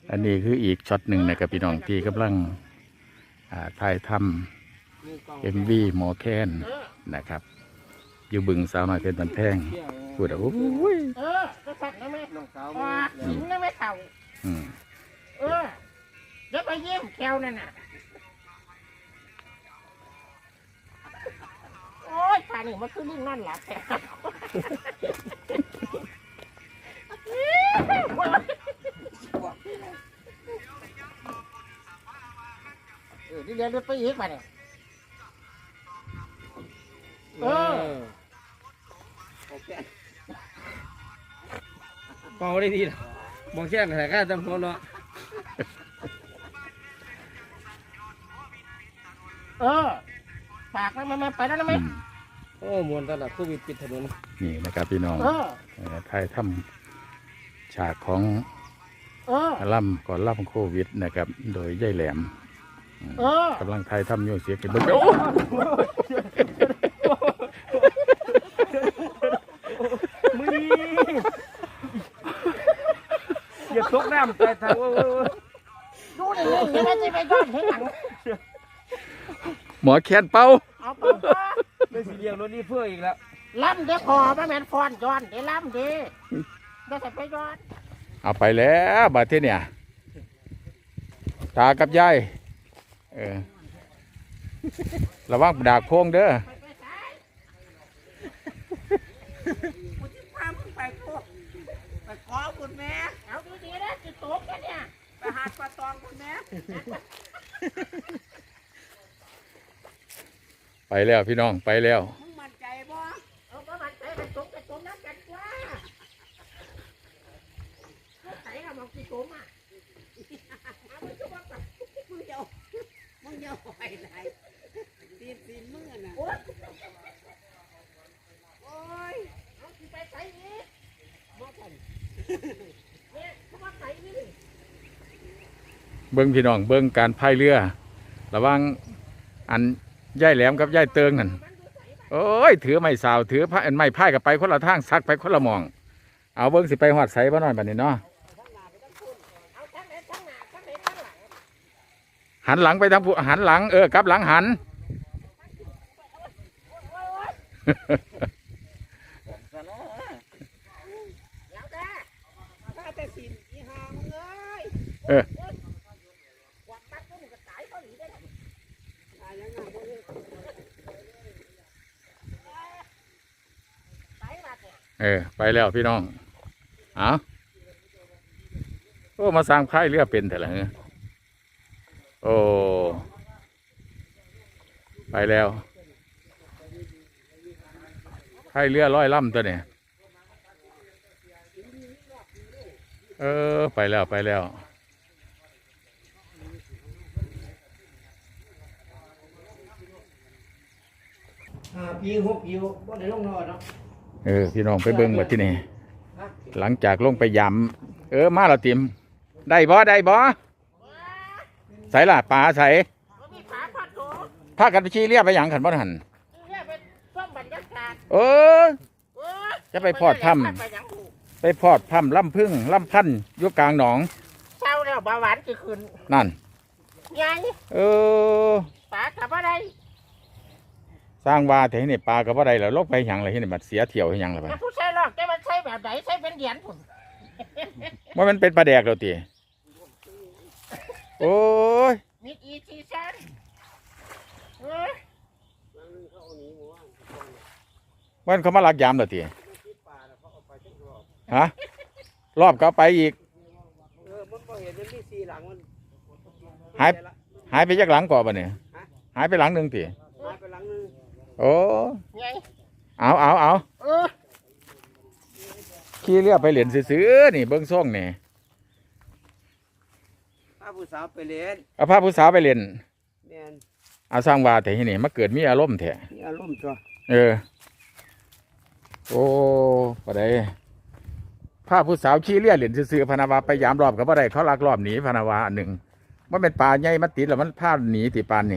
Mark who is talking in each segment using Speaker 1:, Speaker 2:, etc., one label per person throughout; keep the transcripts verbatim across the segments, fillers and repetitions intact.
Speaker 1: อันนี้คืออีกช็อตหนึ่งนะครับพี่น้องที่กำลังถ่ายทำเอ็มวีหมอแคนนะครับอยู่บึงสาวน้อยเพชรบันแพงพูดอ่ะโอ้ย
Speaker 2: เออก็สั่งได้ไหมน้องสาวหญิงได้ไหมเต่าเออเดี๋ยวไปเยี่ยมแคลนั่นน่ะโอ้ยป่านี่มันคือลิงนั่นแหละแต่เออนี่เดี๋ยวไปอีกป่ะเนี่ยเออ
Speaker 3: เป่าได้ดีนะมองแค่ไหนก็จำคนเนาะ
Speaker 2: เออปากมันมันไปแล้วนะไหม
Speaker 3: โอ้มวนตลาดโควิดปิดถนน
Speaker 1: นี่นะครับพี่น้องถ่ายทำฉากของล่ำก่อนล่ำโควิดนะครับโดยย่ายแหลมกำลังถ่ายทำโยเสียกันเบิ้ง
Speaker 3: มึงอย่าตกน้ำใจทาง
Speaker 2: ดูนี่ยังไงจะไปย้อนให้หลัง
Speaker 1: หมอแคนเป้า
Speaker 2: เอาไป
Speaker 3: ไม่สีเรียงรถนี่เพื่ออีกแล้ว
Speaker 2: ล้ำเดี๋ยวคอมาแมนฟอนย้อนเดี๋ยวล้ำดีเดี๋ยวใส่ไปย้อน
Speaker 1: เอาไปแล้วบาดที่เนี่ยตากับยายเออระวังดากพงเด้อ
Speaker 2: ไปขอคุณแม่เอาดีๆนะจิตตกกันเนี่ยไปหาปลาตองคุณแม่
Speaker 1: ไปแล้วพี่น้องไปแล้ว
Speaker 2: มึงมั่นใจบ่เอาบ่มั่นใจไปตกไปตกน้ำกันกว่าใส่ละมองกี่ตัวมาเอาไปชุบกันมึงเดียวมึงเดียวไปไหนตีนตีนมึงอ่ะนะโอ้ยโอ้ยเอาที่ไปใส่อีกบ่ทันเนี่ยเขามาใส่นี่
Speaker 1: เบิ้งพี่น้องเบิ้งการพายเรือระวังอันย่ายแหลมกับย่ายเติงนั่นโอ้ยถือไม้สาวถือผ้าไม้พายกับไปคนละทางซักไปคนละมองเอาเบิ้งสิไปหอดใส่บ้านหน่อยแบบนี้เนาะหันหลังไปทางผู้หันหลังเออกลับหลังหันเออเออไปแล้วพี่น้องเอาโอ้มาสร้างพายเรือเป็นแต่ละเงี้ยโอ้ไปแล้วพายเรือร้อยลำตัวเนี่ยเออไปแล้วไปแล้ว
Speaker 3: ห้าปีหกปีบ่ได้ลงนอนเนาะ
Speaker 1: เออพี่น้องไปเบิ้งมาที่นี่หลังจากลงไปยำเออมาเราเตรียมได้บ่ได้บ่ใส่ละปลาใส่พากันไปชี้เรียบไปอย่างขันบ่หันเออจะไปพอดถ้ำไปพอดถ้ำล่ำพึ่งล่ำพันยุกลางหนอง
Speaker 2: เช้าแล้วเบาหวานจะขึ้น
Speaker 1: นั่น
Speaker 2: ยัง
Speaker 1: เออ
Speaker 2: ปลากับอะไร
Speaker 1: สร้างว่าแต่ที่นี่ปลากับอะไรแล้วลบไปอย่างไรที่นี่มันเสียเที่ยวให้ยังไรไป
Speaker 2: ผู้ใช้หรอกแต่มันใช้แบบไหนใช้เป็นเหรียญผม
Speaker 1: ว่ามันเป็นปลาแดกเราตีโอ้ย
Speaker 2: มีอีซีซัน
Speaker 1: วันเขามาลักยามเราตีฮะรอบเขาไปอีกหายหายไปยักหลังก่อนปะเนี่ยหายไปหลังหนึ่งตีโอ้เอาเอาเอาขี่เรือไปเหรียญซื้อนี่เบิ้งซ่องนี่
Speaker 3: พาผู้สาวไปเรียน
Speaker 1: เอาพาผู้สาวไปเรียนเอาสร้างว่าแต่ที่นี่มาเกิดมีอารมณ์แท้
Speaker 3: มีอารมณ์ตัว
Speaker 1: เออโอ้ปะไดพาผู้สาวขี่เรือเหรียญซื้อพนาวาไปยามรอบกับปะไดเขาลักรอบหนีพนาวาอันหนึ่งมันเป็นปลาใหญ่มันติดแล้วมันพาหนีติปานนี่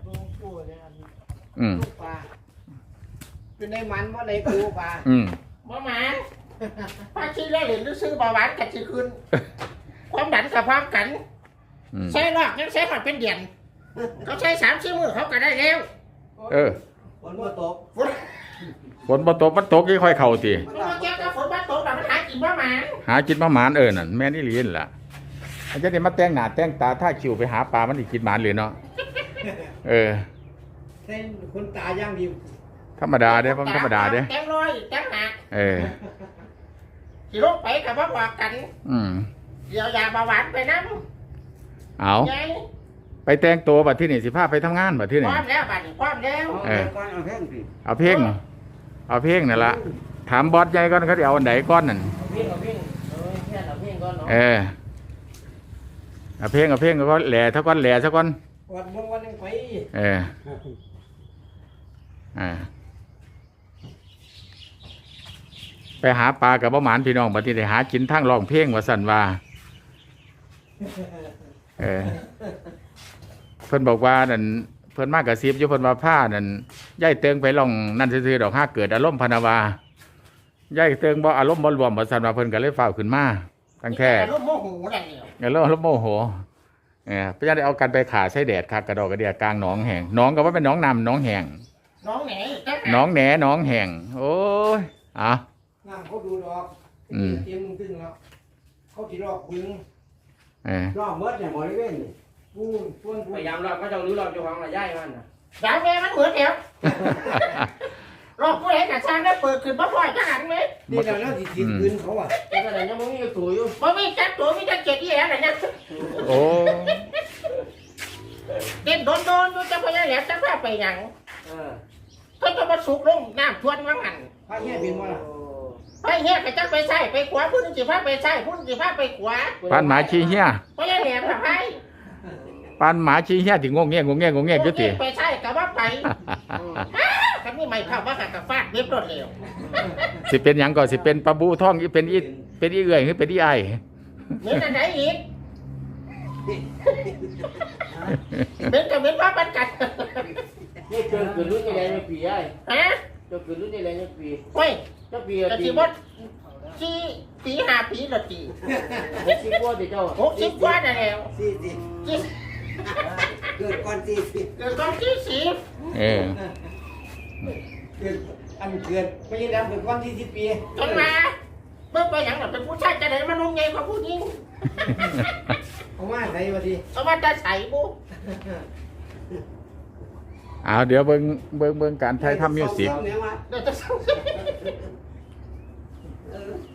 Speaker 1: อืม
Speaker 3: เป็นในมันว่าในปูปลา
Speaker 1: อืม
Speaker 2: บ่หมันพาชี้เล่เหรียญซื้อเบาหวานกัดชี้ขึ้นความดันกับพร้อมกัน
Speaker 1: อืม
Speaker 2: ใช้ลอกยังใช้หอดเป็นเดือนเขาใช้สามสี่มือเขาก็ได้แล้ว
Speaker 1: เออ
Speaker 3: ฝนบ่ตก
Speaker 2: ฝน
Speaker 1: ฝนบ่ตกมันตกยี่ค่อยเข้าติ
Speaker 2: มันมาเกี่ยวกับฝนบ้านตกแต่มันหากินว่าหมา
Speaker 1: หากินมาหมานเออนั่นแม่นอี่ลีนล่ะอาจจะได้มาแต่งหน้าแต่งตาท่าคิวไปหาปลามันอีกกินหมานเลยเนาะเออ
Speaker 3: เส้นคนตาย่างดี
Speaker 1: ธรรมดาเด้อผมธรรมดาเด้อ
Speaker 2: แตงลอยแตงหนัก
Speaker 1: เออ
Speaker 2: ขี่รถไปกับว่าบอกกัน
Speaker 1: อืม
Speaker 2: เดี๋ยวยาเบาหวานไปน้
Speaker 1: เอา
Speaker 2: ำไง
Speaker 1: ไปแต่งตัวบัดที่นี่สิพาไปทำงานบัดที่
Speaker 2: พ
Speaker 1: นี่
Speaker 2: ร้อมแล้วบัดนี้พร้อมแล้ว
Speaker 3: เอาเอาก่อนเอาแห้งสิ
Speaker 1: เอาเพลงเอาเพลงนั่นล่ะถามบอสใหญ่ก่อนเขาจะเอาอันไหนก้อนนั่น
Speaker 2: เอาเพ่งเอาเพ่งเออแค่เอาเพ่งก่อนเนาะ
Speaker 1: เออเอาเพลงเอาเพลงก็แหล่เท่าก้อนแหล่เท่าก้อน
Speaker 3: วันบางวันยังไป
Speaker 1: เอออ่าไปหาปลากับบ่หมานพี่น้องบัดนี้ได้หากินทั้งร้องเพลงว่าสั่นว่าเออเพิ่นบอกว่านั่นเพิ่นมากระซิบอยู่เพิ่นว่าผ้านั่นย่ายเติงไปลองนั่นซื่อๆดอกห้าเกิดอารมณ์พนาวาย่ายเติงบ่อารมณ์บ่รวมว่าสั่นว่าเพิ่นก็เลยฟ้าวขึ้นมาทั้งแท้
Speaker 2: รูปโมโหอะไรเนี่ย
Speaker 1: เออแล้วแล้วโมโหเออพระเจ้าได้เอากันไปขาใช้แดดคักกระดอกกระเดียกลางหนองแห่งหนองก็ว่าเป็นหนองนำหนองแห่ง
Speaker 2: น้องไหนจัง
Speaker 1: หนองแหนหนองแห่งโอ้ยอ่ะ
Speaker 3: น้ำเขาดูดอก
Speaker 1: อืม
Speaker 3: เตรียมมึงตึงแล้วเขาที่รอบบึง
Speaker 1: เออ
Speaker 3: รอบเมื่อเนี่ยหมอได้เว้นนี่ปูนปูนปู
Speaker 4: พ
Speaker 3: น
Speaker 4: ยายามรอบก็ต้องรู้รอบเจ้าของระย่ายมันนะ
Speaker 2: ดาวแม่มันเหมือนเดียวรอบผู้ใดกับช้างได้เปิดขึ้นมาพ่อยจังหันไหม
Speaker 3: นี่เราเล่าที่ทีคืนเขาอ่ะ
Speaker 4: แต่ก็แต่ยังไม่มีอยู่ตัวอยู่
Speaker 2: มันมีจัดตัวมีจัดเจ็ดที่แล้วนะ
Speaker 1: โอ้
Speaker 2: เด่นโดนโดนดูจะพยายามแหลมจะพาไปหยัง
Speaker 4: เออ
Speaker 2: ก็จะมาสุกลงน้ำทวนว่างหัน
Speaker 3: พระเฮียบินมาล่ะ
Speaker 2: ไปเฮียไปจังไปใส่ไปขวาพุ่นสิพาไปใส่พุ่นสิพาไปขวา
Speaker 1: ปานหมาชี้เหี้ย
Speaker 2: พยายามแหลมทำไม
Speaker 1: ปานหมาชี้เหี้ยที่งงเงี้ยงงเงี้ยงงเงี้ยอยู่ติ
Speaker 2: ไปใส่กับว่าไปถ้าไม่ไม่เข้าว่ากับฟาดเว็บรถเร็ว
Speaker 1: สิเป็นหยังก่อนสิเป็นปลาบูท่องอีเป็นอีเป็นอีเอื่อยหรือเป็นอีไอ
Speaker 2: เหมือนอันไหนอีกเหมือนกับเหมือนว่าปันกัน
Speaker 4: นี่เกินเกินรุ่นยังไงไม่ปีไอ้
Speaker 2: ฮะ
Speaker 4: เจ้าเกินรุ่นยังไงไม่ปี
Speaker 2: เฮ้ย
Speaker 4: เจ้าปี
Speaker 2: กะ
Speaker 4: ปี
Speaker 2: ทิบดจีปีห้าปีละจี
Speaker 4: หกสิบกว่าเจ้า
Speaker 2: หกสิบกว่าน่ะแล้ว
Speaker 3: สี่สิ
Speaker 2: จี
Speaker 3: เกิดก่อนสี่สิบ
Speaker 2: เกิดตอนที่สิบ
Speaker 1: เออ
Speaker 3: เกิดอันเกิดไม่ใช่แล้วเกิดก่อนสี่สิบปี
Speaker 2: จนมาเมื่อไปอย่างหลังเป็นผู้ชายจะได้มานุ่งไงกว่าผู้หญิง
Speaker 3: เอามาใส่มาดิ
Speaker 2: เอามาจะใส่บุ
Speaker 1: เอาเดี๋ยวเบิ่งเบิ่งเบิ่งการไทยทำมิวสิก
Speaker 3: เนี่ยมา
Speaker 2: เดี๋ยวจะ
Speaker 3: เออ